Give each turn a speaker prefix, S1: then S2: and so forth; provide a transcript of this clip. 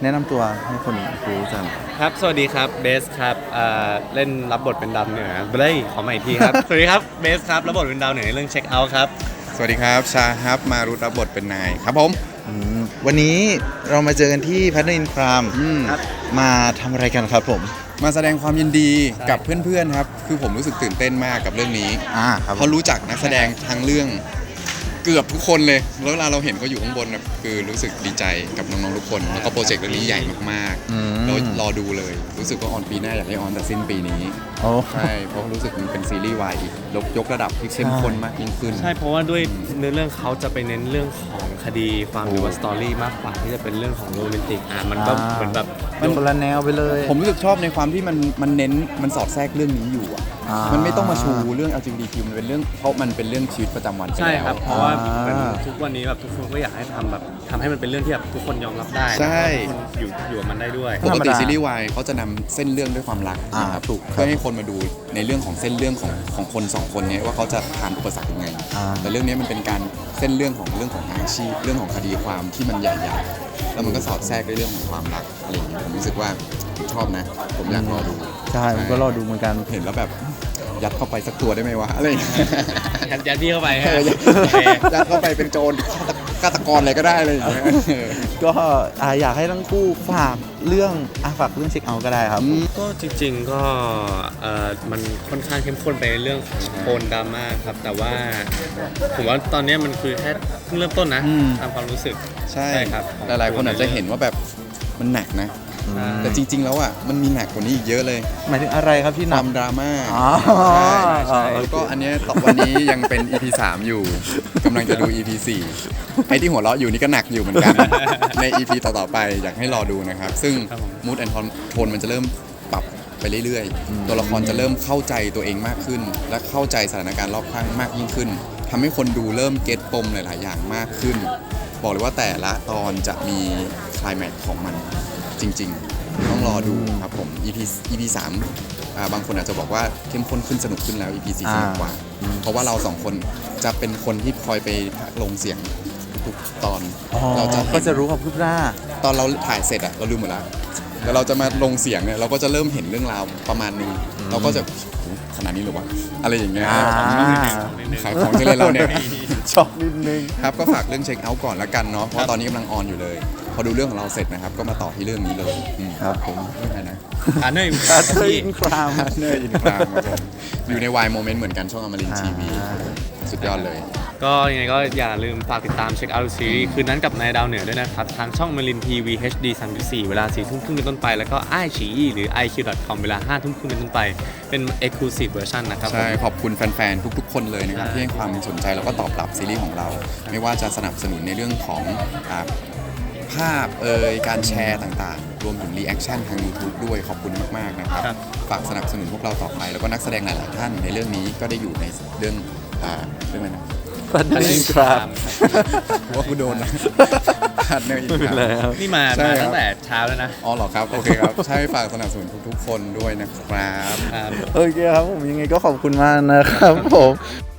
S1: แนะนำตัวให้คนรู้จัก
S2: ครับสวัสดีครับเบสครับเล่นรับบทเป็นดาวเหนือเฮ้ยขอใหม่อีกทีครับ สวัสดีครับเบสครับรับบทเป็นดาวเหนือในเรื่องเช็คเอาท์ครับ
S3: สวัสดีครับชาฮับมารุรับบทเป็นนายครับผม
S1: วันนี้เรามาเจอกันที่พัฒนินพรามมาทำอะไรกันครับผม
S3: มาแสดงความยินดีกับเพื่อนๆครับคือผมรู้สึกตื่นเต้นมากกับเรื่องนี้
S1: ครับ
S3: เพราะรู้จักนักแสดงทั้งเรื่องเกือบทุกคนเลยแล้วเวลาเราเห็นเขาอยู่ข้างบนนะคือรู้สึกดีใจกับน้องๆทุกคนแล้วก็โปรเจกต์เรื่องนี้ใหญ่มากๆแล้วรอดูเลยรู้สึกว่าออนปีหน้าอยากให้ออนแต่สิ้นปีนี้ใช่เพราะรู้สึกมันเป็นซีรีส์วายอีกยกระดับที่เข้มข้นมากยิ่งขึ้น
S2: ใช่เพราะว่าด้วยเนื้อเรื่องเขาจะไปเน้นเรื่องของคดีความหรือว่าสตอรี่มากกว่าที่จะเป็นเรื่องของโรแมนติกมันก็เหมือนแบบ
S1: มันคนละแนวไปเลย
S3: ผมรู้สึกชอบในความที่มันเน้นมันสอดแทรกเรื่องนี้อยู่มันไม่ต้องมาชูเรื่อง LGBTQ มันเป็นเรื่องเพราะมันเป็นเรื่องชีวิตประจำวัน
S2: ใช่ครับเพราะว่าทุกวันนี้แบบทุกคนก็อยากให้ทำให้มันเป็นเรื่องที่แบบทุกคนยอมรับได้
S3: ใช่
S2: ทุกคนอยู่กับมันได้ด้วย
S3: ปกติซีรีส์วายเขาจะนำเส้นเรื่องด้วยความรักนะครับถูกเพื่อให้คนมาดูในเรื่องของเส้นเรื่องของคนสองคนนี้ว่าเขาจะผ่านอุปสรรคยังไงแต่เรื่องนี้มันเป็นการเส้นเรื่องของอาชีพเรื่องของคดีความที่มันใหญ่ๆแล้วมันก็สอดแทรกในเรื่องของความรักอะไรอย่างเงี้ยผมรู้สึกว่าชอบนะผมอยากรอดู
S1: ใช่ผมก็รอดูเหมือนกัน
S3: เห็นแล้วแบบยัดเข้าไปสักตัวได้ไหมวะอะไร
S2: ยัดพี่เข้าไป
S3: ยัดเข้าไปเป็นโจรฆาตกรอะไรก็ได้เลย
S1: ก็อยากให้ทั้งคู่ฝากเรื่องเช็คเอาท์ก็ได้ครับ
S2: ก็จริงๆก็มันค่อนข้างเข้มข้นไปในเรื่องของโทนดราม่าครับแต่ว่าผมว่าตอนนี้มันคือแค่เพิ่งเริ่มต้นนะตามความรู้สึก
S3: ใช่ครับหลายๆคนอาจจะเห็นว่าแบบมันหนักนะแต่จริงๆแล้วมันมีหนักกว่านี้อีกเยอะเลย
S1: หมายถึงอะไรครับที่หนัก
S3: ความดราม่าใช่แล้วก็อันนี้วันนี้ยังเป็น EP 3 อยู่กำลังจะดู EP 4ไอ้ที่หัวเราะอยู่นี่ก็หนักอยู่เหมือนกันใน EP ต่อๆไปอยากให้รอดูนะครับซึ่ง Mood and Tone มันจะเริ่มปรับไปเรื่อยๆตัวละครจะเริ่มเข้าใจตัวเองมากขึ้นและเข้าใจสถานการณ์รอบข้างมากยิ่งขึ้นทำให้คนดูเริ่มเก็ตปมหลายๆอย่างมากขึ้นบอกเลยว่าแต่ละตอนจะมีไคลแม็กซ์ของมันจริงๆต้องรอดูครับผม EP 3บางคนอาจจะบอกว่าเข้มข้นขึ้นสนุกขึ้นแล้ว EP 4สนุกกว่าเพราะว่าเรา2คนจะเป็นคนที่คอยไปลงเสียงทุกตอน
S1: เราก็จะรู้ความคืบหน้า
S3: ตอนเราถ่ายเสร็จเราลืมหมดแล้วแล้วเราจะมาลงเสียงเนี่ยเราก็จะเริ่มเห็นเรื่องราวประมาณนึงเราก็จะขนาดนี้หรือวะอะไรอย่างเงี้ยขายของจะเลยเราเนี่ย
S1: ช็อกนิดนึง
S3: ครับก็ฝากเรื่องเช็คเอาท์ก่อนละกันเนาะเพราะตอนนี้กำลังออนอยู่เลยพอดูเรื่องของเราเสร็จนะครับก็มาต่อที่เรื่องนี้เลย
S1: ครับผม
S3: อะไรนะ
S2: เนอร์
S1: อินคราม
S3: ครับผมอยู่ในวายโมเมนต์เหมือนกันช่องอมรินทร์ทีวีสุดยอดเลย
S2: ก็ยังไงก็อย่าลืมฝากติดตามเช็คเอาท์ซีรีส์คืนนั้นกับนายดาวเหนือด้วยนะครับทางช่องอมรินทร์ทีวี HD 34เวลา 4 ทุ่มครึ่งเป็นต้นไปแล้วก็ไอฉีอีหรือ iq.com เวลา 5 ทุ่มครึ่งเป็นต้นไปเป็น Exclusive Version นะครับ
S3: ใช่ขอบคุณแฟนๆทุกๆคนเลยนะครับที่ให้ความสนใจแล้วก็ตอบรับซีรีส์ของเราไม่ว่าจะสนับสนุนในเรื่องของภาพการแชร์ต่างๆรวมถึงรีแอคชั่นทาง YouTube ด้วยขอบคุณมากๆนะครับฝากสนับสนุนพวกเราต่อไปแล้วก็นักแสดงหลายๆท่านในเรื่องนี้ก็ได้อยู่ในเรื่องอะไรนะ
S1: พัฒนินคราม
S3: ว่ากูโดนนะพัฒนินคราม
S2: นี่มาตั้งแต่เช้าแล้วนะ
S3: อ๋อเหรอครับโอเคครับใช่ฝากสนับสนุนทุกๆคนด้วยนะครับ
S1: โอเคครับผมยังไงก็ขอบคุณมากนะครับผม